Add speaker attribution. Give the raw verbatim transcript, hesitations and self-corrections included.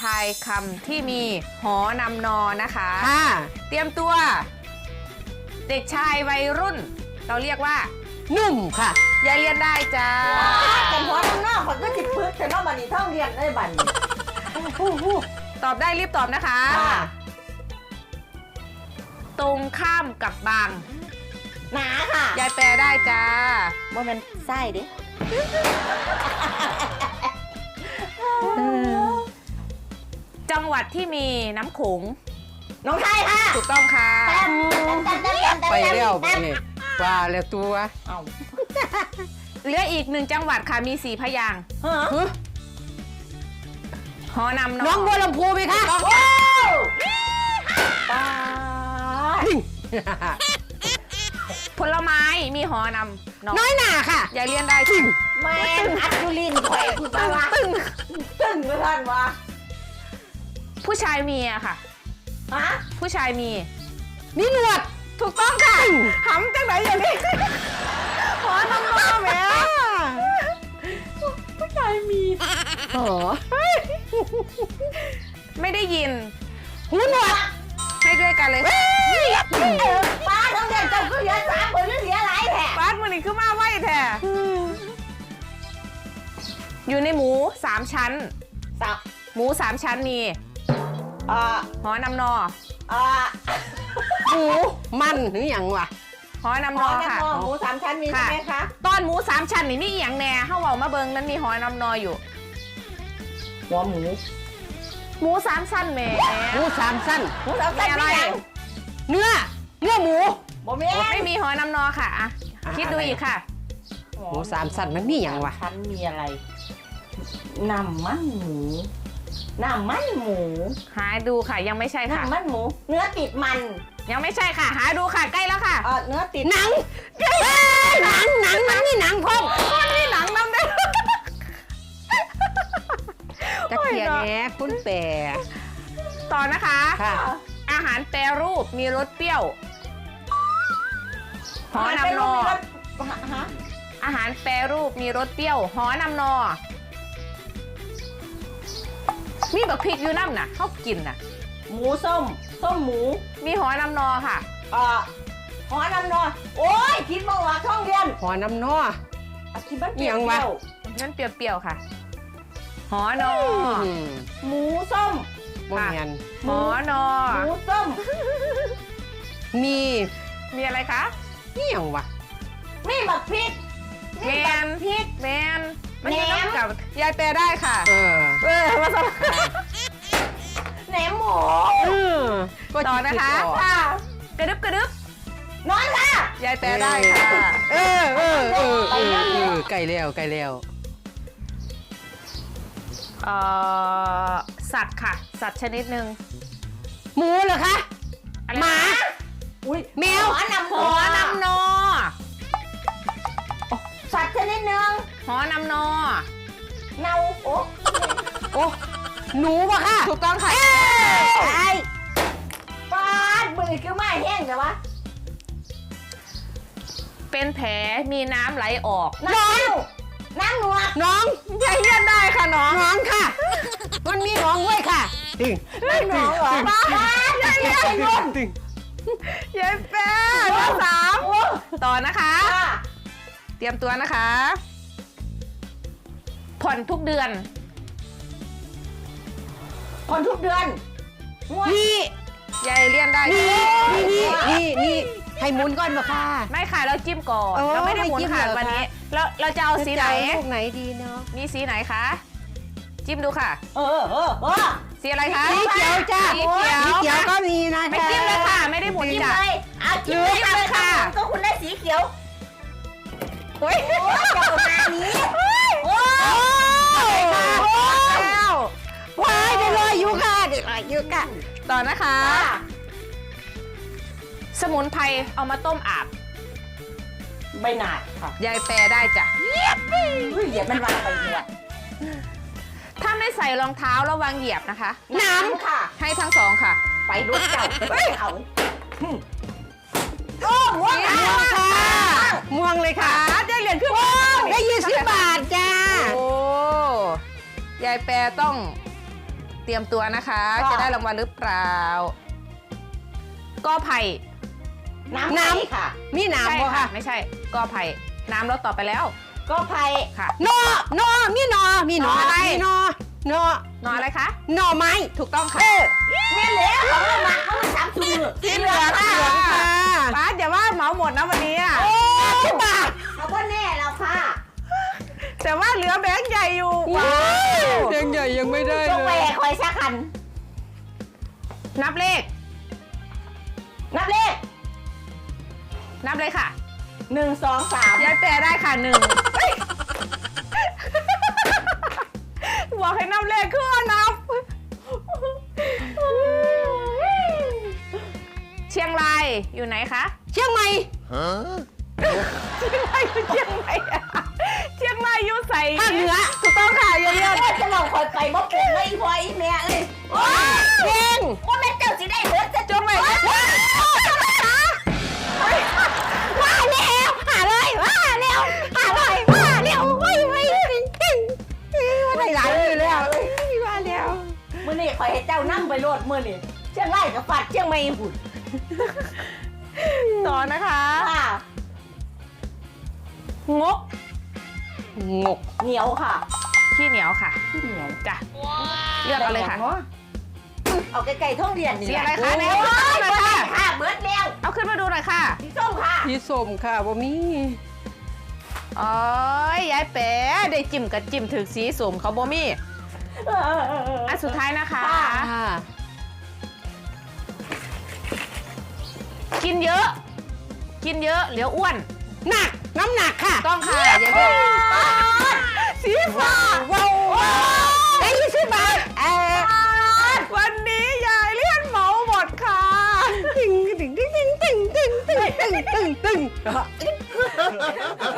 Speaker 1: ายคำที่มีหอนำนอนะคะ
Speaker 2: ค่ะ
Speaker 1: เตรียมตัว เด็กชายวัยรุ่น เราเรียกว่า
Speaker 2: นุ่มค่ะ
Speaker 1: ยายเรียนได้จ้า
Speaker 3: แต่หัวน้ำนอกมันก็จิบพึกแต่นอกบันนี้ท่องเรียนได้บันนี้
Speaker 1: ตอบได้รีบตอบนะคะ ตรงข้ามกับบาง
Speaker 3: หนาค่ะ
Speaker 1: ยายแปลได้จ้า
Speaker 3: ว่ามันไส้ดิ
Speaker 1: จังหวัดที่มีน้ำโขง
Speaker 3: น้องไทยค่ะ
Speaker 1: ถูกต้องค่ะ
Speaker 3: แต้มแต้มแต้มแต้มแต้ม
Speaker 2: ไปแล้ว
Speaker 3: แต้ม
Speaker 2: นี่ว่าแล้วตัว
Speaker 3: เอา
Speaker 1: เหลืออีกหนึ่งจังหวัดค่ะมีสี่พยางค์
Speaker 3: ฮะ
Speaker 2: ฮะ
Speaker 1: หอนำนอ
Speaker 2: น้องบัวลำพูไหมคะ
Speaker 3: โอ้ป้า
Speaker 1: ผลไม้มีหอนำนอ
Speaker 2: น้อยหนาค่ะ
Speaker 1: ยายเรียนได้จริง
Speaker 3: แมนอัดยูลินข่อยคุณป้าวะ
Speaker 1: ตึ้ง
Speaker 3: ตึ้งเลยท่านวะ
Speaker 1: ผู้ชายมีอะค่ะ
Speaker 3: ฮะ
Speaker 1: ผู้ชายมี
Speaker 2: มีหนวด
Speaker 1: ถูกต้องค่ะหำจังไหนอย่างนี้หอนำนอแหม
Speaker 3: ผู้ชายมี
Speaker 2: อ๋อ
Speaker 1: ไม่ได้ยิน
Speaker 2: หูหนวด
Speaker 1: ให้ด้วยกันเลยค่ะ
Speaker 3: ป้าต้องเรียนจบก็เหลือสามคนเหลือหลายแผล
Speaker 1: บ้านมันนี่คือมาไหวแท้อยู่ในหมูสามชั้น
Speaker 3: สับ
Speaker 1: หมูสามชั้นมี
Speaker 3: เอ่อ
Speaker 1: หอนำนอ
Speaker 3: เอ่อ
Speaker 2: หมูมันหรืออย่างวะ
Speaker 1: หอนำ
Speaker 3: ห
Speaker 1: น
Speaker 3: อ
Speaker 1: อ
Speaker 3: น้ำ
Speaker 1: ค่ะ
Speaker 3: นอหมูสามชั้นมีใช่ไหมคะ
Speaker 1: ตอนหมูสามชั้นนี่มีอหย่างแหน่เฮาเว้ามาเบิงนั้นมีหอนำนออยู่
Speaker 3: หัวหมู
Speaker 1: หมูสามชั้นแหม่
Speaker 2: หมูสามสั้น
Speaker 3: หมูสามชั้น
Speaker 1: มีอะไร
Speaker 3: มียัง
Speaker 2: เนื้อ เนื้อหมู
Speaker 3: บ่มี
Speaker 1: ไม่มีหอนำนอค่ะอะ
Speaker 2: อ่ะ
Speaker 1: คิดดูอีกค่ะ
Speaker 2: หมูสามสั้นมันมีอย่างวะ
Speaker 3: ชั้นมีอะไรน้ำมันหมูน้ำมันหมู
Speaker 1: หาดูค่ะยังไม่ใช่ค่ะ
Speaker 3: น้ำมันหมู เนื้อติดมัน
Speaker 1: ยังไม่ใช่ค่ะ หาดูค่ะใกล้แล้วค่ะ
Speaker 3: เออเนื้อติด
Speaker 2: หนังเอ้ยหนังหนังมันมีหนังพร้อม
Speaker 1: มันมีหนังนำได้
Speaker 2: จะเขียนแหน่คุณแปร
Speaker 1: ต่อนะคะ
Speaker 2: ค่ะ
Speaker 1: อาหารแปรรูปมีรสเปรี้ยวหอนำนอ
Speaker 3: ฮะ
Speaker 1: อาหารแปรรูปมีรสเปรี้ยวหอนำนอ มีบักพริกอยู่น้ำน่ะเขากินน่ะ
Speaker 3: หมูส้ม ส้มหมู
Speaker 1: มีหอนำนอค่ะ
Speaker 3: เอ่อหอน้ำนอนโอ้ยคิดมาว่าท่องเรียน
Speaker 2: หอน้ำนัว
Speaker 3: อ่ะคิดมันเป
Speaker 2: เอี
Speaker 3: รี้
Speaker 2: ย
Speaker 3: ยว
Speaker 2: งวะ
Speaker 1: นั่นเปรี้ยวๆค่ะ หอนอ
Speaker 2: อืม
Speaker 3: หมูส้ม
Speaker 2: บ่แม่น
Speaker 1: หอนอ
Speaker 3: หมูส้ม
Speaker 2: มี
Speaker 1: มีอะไรคะ
Speaker 2: นี่อย่างวะ
Speaker 3: มีบักพริก
Speaker 1: แมน
Speaker 3: พริก
Speaker 1: แมนมันอยู่
Speaker 3: แหนม
Speaker 1: น้ำกับยายแปรได้ค่ะ
Speaker 2: เออ
Speaker 1: เออมาส
Speaker 3: แหนมหมู
Speaker 2: เออก็
Speaker 1: ต่อนะคะ
Speaker 2: จิตออก
Speaker 3: ค่ะ
Speaker 1: กระดึบกระดึบ
Speaker 3: นอนค่ะ
Speaker 1: ยายแปรได้ค่ะ
Speaker 2: เออเออเออเออเออใกล้แล้วใกล้แล้ว
Speaker 1: เอ่อสัตว์ค่ะ สัตว์ชนิดหนึ่ง
Speaker 2: หมูเหรอคะ
Speaker 1: อะไร
Speaker 2: หมา
Speaker 1: นะ
Speaker 3: อุ้ย
Speaker 2: แมว
Speaker 3: หอนำ
Speaker 1: หอนำนอ
Speaker 3: สัตว์ชนิดหนึ่ง
Speaker 1: หอนำนอ
Speaker 3: เนาโอ้
Speaker 2: โอ้หนูปะค่ะ
Speaker 1: ถูกต้องค่ะ
Speaker 3: ไอ้ปาดมือคือไม่แห้งแต่ว่า
Speaker 1: เป็นแผลมีน้ำไหลออก
Speaker 3: น้ำน้ำหนวด
Speaker 2: น้อง
Speaker 1: ยายเรียนได้ค่ะน้อง
Speaker 2: น้องค่ะ มันมีน้องด้วยค่ะตึง
Speaker 3: น้ำหนวดเหรอปาดยายเรียน
Speaker 2: ตึงตึง
Speaker 1: ยายแปรข้อสามต่อนะคะ
Speaker 3: ค่ะ
Speaker 1: เตรียมตัวนะคะ ผ่อนทุกเดือน
Speaker 3: คนทุกเดือนงวด
Speaker 2: นี่
Speaker 1: ยายเรียนได้
Speaker 2: นี่
Speaker 1: ค่ะ
Speaker 2: นี่นี่นี่นี่ให้หมุนก่อนปะค่ะ
Speaker 1: ไม่ค่ะเราจิ้มก่อน
Speaker 2: เออ
Speaker 1: เราไม่ได้หมุน
Speaker 2: ให้จิ้ม
Speaker 1: ค่ะ
Speaker 2: เหรอ
Speaker 1: วันนี้
Speaker 2: คะ
Speaker 1: เราเราจะเอาสีไหน
Speaker 2: จะเอาลูกไหนดีเนาะ
Speaker 1: มีสีไหนคะ จิ้มดูค่ะ
Speaker 3: เออเออเออ
Speaker 1: สีอะไรคะ
Speaker 2: สีเขียวจ้า
Speaker 1: สีเขียว
Speaker 2: สีเขียวก็มีนะ
Speaker 1: ไม่จิ้มเลยค่ะ ไม่ได้หมุน
Speaker 3: จิ้ม
Speaker 1: จ้ะ
Speaker 3: เลยเอาจิ้มเลย
Speaker 1: จิ้มเลยค่ะ
Speaker 3: ก็คุณได้สีเขียว
Speaker 1: โอ้ย
Speaker 3: โอ้ยจะประมาณนี้โอ้ย
Speaker 1: แล้ว
Speaker 2: ว้ายได้ลอยอยู่ค่ะได้ลอยอยู่ค่ะ
Speaker 1: ต่อนะคะ สมุนไพรเอามาต้มอาบ
Speaker 3: ใบหนาดค่ะ
Speaker 1: ยายแปรได้จ้ะ
Speaker 3: อุ้ยเหยียบมันวางไปเนี่ย
Speaker 1: ถ้าไม่ใส่รองเท้าระวังเหยียบนะคะ
Speaker 3: น้ำค่ะ
Speaker 1: ให้ทั้งสองค่ะ
Speaker 3: ไปรถเก่าเอาโอ้หัว
Speaker 1: สี
Speaker 3: หนา
Speaker 1: ม่วงค่ะ
Speaker 2: ม่วงเลยค่ะ
Speaker 1: ได้เหรียญขึ้น
Speaker 2: ได้ยี่สิบบาทจ้า
Speaker 1: โอ้ยายแปรต้องเตรียมตัวนะคะ จะได้รางวัลหรือเปล่าก็ไผ่
Speaker 3: น้ำน้ำค่ะ
Speaker 2: มีหนาม
Speaker 1: ใช่
Speaker 2: บ่
Speaker 1: ค่ะ
Speaker 2: ค่ะ
Speaker 1: ไม่ใช่ก็ไผ่น้ำเราตอบไปแล้ว
Speaker 3: ก็ไผ่
Speaker 1: ค่ะ
Speaker 2: หนอหนอมีหนอมีหนอ
Speaker 1: หน่ออะไร
Speaker 2: มีหนอหนอน
Speaker 1: อนอะไรคะ
Speaker 2: หนอไม้
Speaker 1: ถูกต้องค่ะ
Speaker 3: แม่เหลือเขาไม่มาเขาไม่สามชื่อ
Speaker 1: สีเหลืองค่ะ
Speaker 2: เหลืองค่ะ
Speaker 1: ป้าอย่าว่าเหมาหมดนะวันนี้อะ
Speaker 2: โอ้บาท
Speaker 3: เขาก็แน่แล้วค่ะ
Speaker 1: แต่ว่าเหลือแบงค์ใหญ่อยู่
Speaker 2: ว้า
Speaker 1: ว้าว
Speaker 2: วยังใหญ่ยังไม่ได้
Speaker 3: จง
Speaker 2: เล
Speaker 3: ไป
Speaker 2: ย
Speaker 3: คอยสักคัน
Speaker 1: นับเลข
Speaker 3: นับเลข
Speaker 1: นับเลยค่ะ
Speaker 3: หนึ่งสองสาม
Speaker 1: ยายแปรได้ค่ะหนึ่งเฮ้ยบอกให้นับเลขคือว่านับ เชียงรายอยู่ไหนคะ
Speaker 2: เชียงใหม่
Speaker 1: เชียงรายอยู่เชียงใหม่อะเชียงรายอยู่ใส่
Speaker 2: ภาคเหนือ
Speaker 1: ถูกต้องค่ะเยอะ
Speaker 3: โอ้ยจะบอกคอยไปบ่เป็นเลยอีพออีแม่เอ้ยโอ้ย
Speaker 2: เก่ง
Speaker 3: ว่าแม่เจ้าสิได้เบิดจะ
Speaker 1: ๆจงไป
Speaker 2: ว่าแล้วหาเลยว่าแล้วหาเลยว่าแล้วไม่ไม่เก่งว่าได้หลายมือแล้วว่าแล้ว
Speaker 3: มื้อนี้คอยให้เจ้านั่งไปโลดมื้อนี้เชียงรายกับฟัดเชียงใหม่หุ่น
Speaker 1: ต่อนะคะ
Speaker 3: ค่ะ
Speaker 1: งก
Speaker 2: งก
Speaker 3: เหนียวค่ะ
Speaker 1: ขี้เหนียวค่ะ
Speaker 3: เหนียว
Speaker 1: จ้ะเลือกเอาเลยค่ะ
Speaker 3: เอาไก่ๆท่องเรียนนี่
Speaker 1: สีอะไรคะ
Speaker 3: โอ้
Speaker 1: ไหน
Speaker 3: ย
Speaker 1: เอาขึ้นมาหน่อยค่ะ
Speaker 3: ค่ะเบิดแล้ว
Speaker 1: เอาขึ้นมาดูหน่อยค่ะ
Speaker 3: สีส้มค่ะ
Speaker 2: พี่สมค่ะบ่มี
Speaker 1: โอ้ยยายแป๋ได้จิ้มกับจิ้มถึกสีสมเขาบ่มีอันสุดท้ายนะคะ
Speaker 2: ค่ะ
Speaker 1: กินเยอะ กินเยอะเหลียวอ้วน
Speaker 2: หนักน้ำหนักค่ะ
Speaker 1: ต้องค่ะอย่าเพิ่งสีฟ้า
Speaker 2: ว้าวไอ้ยี่สิบบาทเออ
Speaker 1: วันนี้ยายเลี่ยนเหมาหมดค่ะ
Speaker 2: ตึงตึงตึงตึงตึงตึงตึงตึงตึง